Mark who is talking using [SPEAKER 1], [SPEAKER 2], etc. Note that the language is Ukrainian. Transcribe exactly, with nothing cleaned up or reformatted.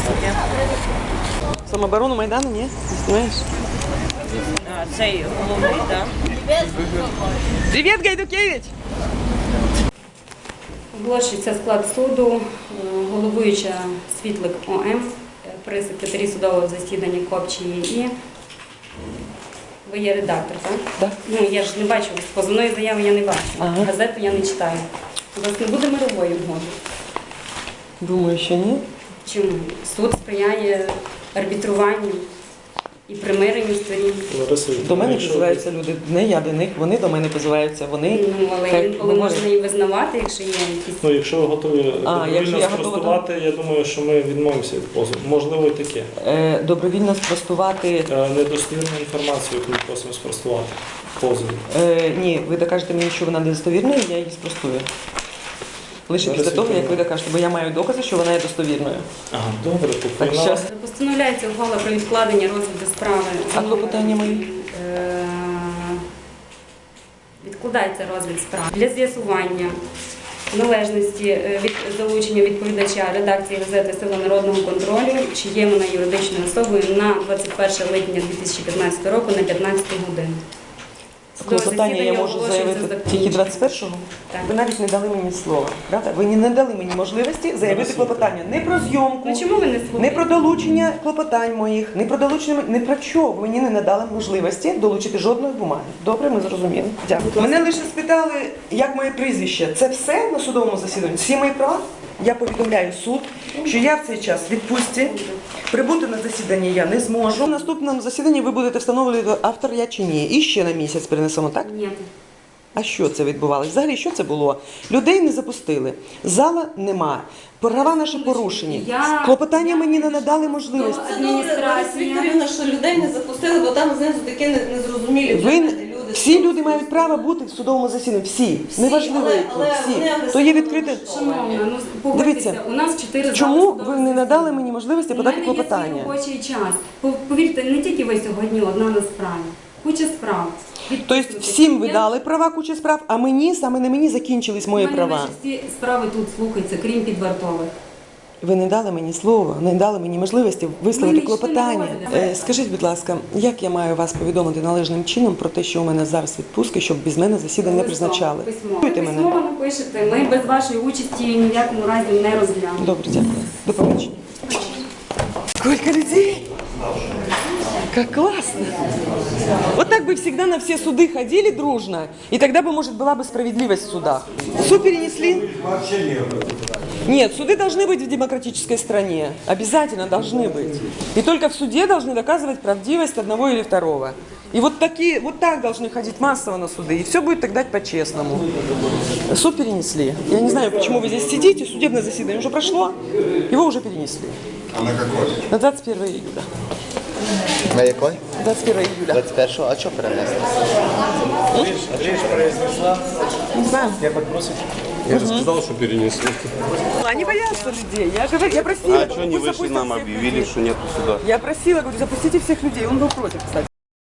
[SPEAKER 1] Самооборону Майдану, ні? Не знаєш?
[SPEAKER 2] А, цей головний, так.
[SPEAKER 1] Привіт, Гайдукевич!
[SPEAKER 3] Оголошується склад суду, головуюча Світлик О М, при секретарі судового засідання Копчії І. Ви є редактор, так?
[SPEAKER 1] Так.
[SPEAKER 3] Ну, я ж не бачу, позовної заяви я не бачу,
[SPEAKER 1] Ага.
[SPEAKER 3] газету я не читаю. У вас не буде мирової угоди?
[SPEAKER 1] Думаю, що ні.
[SPEAKER 3] Чому? Суд сприяє арбітруванню і примиренню сторін.
[SPEAKER 1] До мене позиваються люди, не я до них, вони до мене позиваються, вони...
[SPEAKER 3] Ну, але
[SPEAKER 1] хай
[SPEAKER 3] інколи
[SPEAKER 1] говорять.
[SPEAKER 3] можна і визнавати, якщо є якісь...
[SPEAKER 4] Ну, якщо ви готові
[SPEAKER 1] А, якщо
[SPEAKER 4] добровільно
[SPEAKER 1] я готова,
[SPEAKER 4] спростувати, я думаю, що ми відмовимося від позову. Можливо, і таке.
[SPEAKER 1] Е, добровільно спростувати...
[SPEAKER 4] Е, Недостовірну інформацію, яку ми просимо спростувати в позові.
[SPEAKER 1] Е, ні, ви докажете мені, що вона недостовірною, я її спростую. Лише
[SPEAKER 4] Зараз
[SPEAKER 1] після того, як ви
[SPEAKER 4] відповім.
[SPEAKER 1] докажете, бо я маю докази, що вона є достовірною.
[SPEAKER 4] Ага, добре,
[SPEAKER 1] Так,
[SPEAKER 4] поприймала.
[SPEAKER 1] щас.
[SPEAKER 3] Постановляється ухвала про відкладення розгляду справи.
[SPEAKER 1] А клопотання мої?
[SPEAKER 3] Е, Відкладається розгляд справи для з'ясування належності е, від залучення відповідача редакції газети «Сила народного контролю», чи є вона юридичною особою на двадцять перше липня дві тисячі п'ятнадцятого року на п'ятнадцяту годину. Судове
[SPEAKER 1] Клопотання я
[SPEAKER 3] засідання
[SPEAKER 1] можу
[SPEAKER 3] оголошується
[SPEAKER 1] заявити
[SPEAKER 3] закінченим.
[SPEAKER 1] тільки двадцять першого?
[SPEAKER 3] Так.
[SPEAKER 1] Ви навіть не дали мені слова, правда? Ви не дали мені можливості заявити клопотання не про зйомку,
[SPEAKER 3] Ну чому ви не
[SPEAKER 1] не
[SPEAKER 3] слухаєте?
[SPEAKER 1] про долучення клопотань моїх, не про долучення, не про чого. Ви мені не надали можливості долучити жодної бумаги. Добре, ми зрозуміли. Дякую. Мене лише спитали, як моє прізвище. Це все на судовому засіданні? Всі мої права? Я повідомляю суд, що я в цей час в відпустці, прибути на засідання я не зможу. На наступному засіданні ви будете встановлювати, автор я чи ні. І ще на місяць перенесемо, так?
[SPEAKER 3] Ні.
[SPEAKER 1] А що це відбувалося? Взагалі, що це було? Людей не запустили, зала нема, права наші порушені.
[SPEAKER 3] Я-
[SPEAKER 1] Клопотання мені не надали можливості.
[SPEAKER 5] Це добре, Лариса Вікторівна, що людей не запустили, бо там знизу такі не- незрозумілі
[SPEAKER 1] Ви,
[SPEAKER 5] предмети, люди.
[SPEAKER 1] всі люди мають право бути в судовому засіданні. Всі. Неважливо,
[SPEAKER 5] але-
[SPEAKER 1] які.
[SPEAKER 5] але
[SPEAKER 1] Всі.
[SPEAKER 5] вони
[SPEAKER 1] То є
[SPEAKER 5] агресивно
[SPEAKER 1] відкрите.
[SPEAKER 3] Шановна, ну погодьтеся,
[SPEAKER 1] Дивіться,
[SPEAKER 3] у нас чотири
[SPEAKER 1] Чому
[SPEAKER 3] зали
[SPEAKER 1] ви
[SPEAKER 3] судового
[SPEAKER 1] не надали
[SPEAKER 3] засідання.
[SPEAKER 1] мені можливості
[SPEAKER 3] У
[SPEAKER 1] подати
[SPEAKER 3] мене є свій
[SPEAKER 1] клопотання?
[SPEAKER 3] робочий час. Пов- Повірте, не тільки ви сьогодні одна на справі. Куча справ.
[SPEAKER 1] Тобто всім ви дали права, куча справ, а мені, саме на мені закінчились мої
[SPEAKER 3] У мене
[SPEAKER 1] права.
[SPEAKER 3] майже всі справи тут слухаються, крім підвартових.
[SPEAKER 1] Ви не дали мені слова, не дали мені можливості висловити
[SPEAKER 3] Ми нічого
[SPEAKER 1] клопотання.
[SPEAKER 3] не доводимо.
[SPEAKER 1] Е, Скажіть, будь ласка, як я маю вас повідомити належним чином про те, що у мене зараз відпустки, щоб без мене засідання не призначали?
[SPEAKER 3] Письмо.
[SPEAKER 1] Чуєте
[SPEAKER 3] Ви
[SPEAKER 1] мене?
[SPEAKER 3] письмо напишете, ми без вашої участі ні в якому разі не розглянемо.
[SPEAKER 1] Добре, дякую. До побачення. Сколько людей! Как классно! Вот так бы всегда на все суды ходили дружно, и тогда бы, может, была бы справедливость в судах. Суд перенесли? Нет, суды должны быть в демократической стране. Обязательно должны быть. И только в суде должны доказывать правдивость одного или второго. И вот, такие, вот так должны ходить массово на суды. И все будет тогда по-честному. Суд перенесли. Я не знаю, почему вы здесь сидите. Судебное заседание уже прошло. Его уже перенесли.
[SPEAKER 6] А на какой?
[SPEAKER 1] На двадцать первое июля.
[SPEAKER 6] На якой?
[SPEAKER 1] двадцать первое июля.
[SPEAKER 6] двадцять першого. А що перенесли?
[SPEAKER 1] Не знаю.
[SPEAKER 7] Я же сказал, что перенесли.
[SPEAKER 1] Они боятся людей. Я, говорю, я просила.
[SPEAKER 7] А что не
[SPEAKER 1] пусть
[SPEAKER 7] вышли,
[SPEAKER 1] запустят
[SPEAKER 7] нам
[SPEAKER 1] всех
[SPEAKER 7] объявили,
[SPEAKER 1] людей.
[SPEAKER 7] что нету сюда?
[SPEAKER 1] Я просила, говорю, запустите всех людей. Он был против, кстати.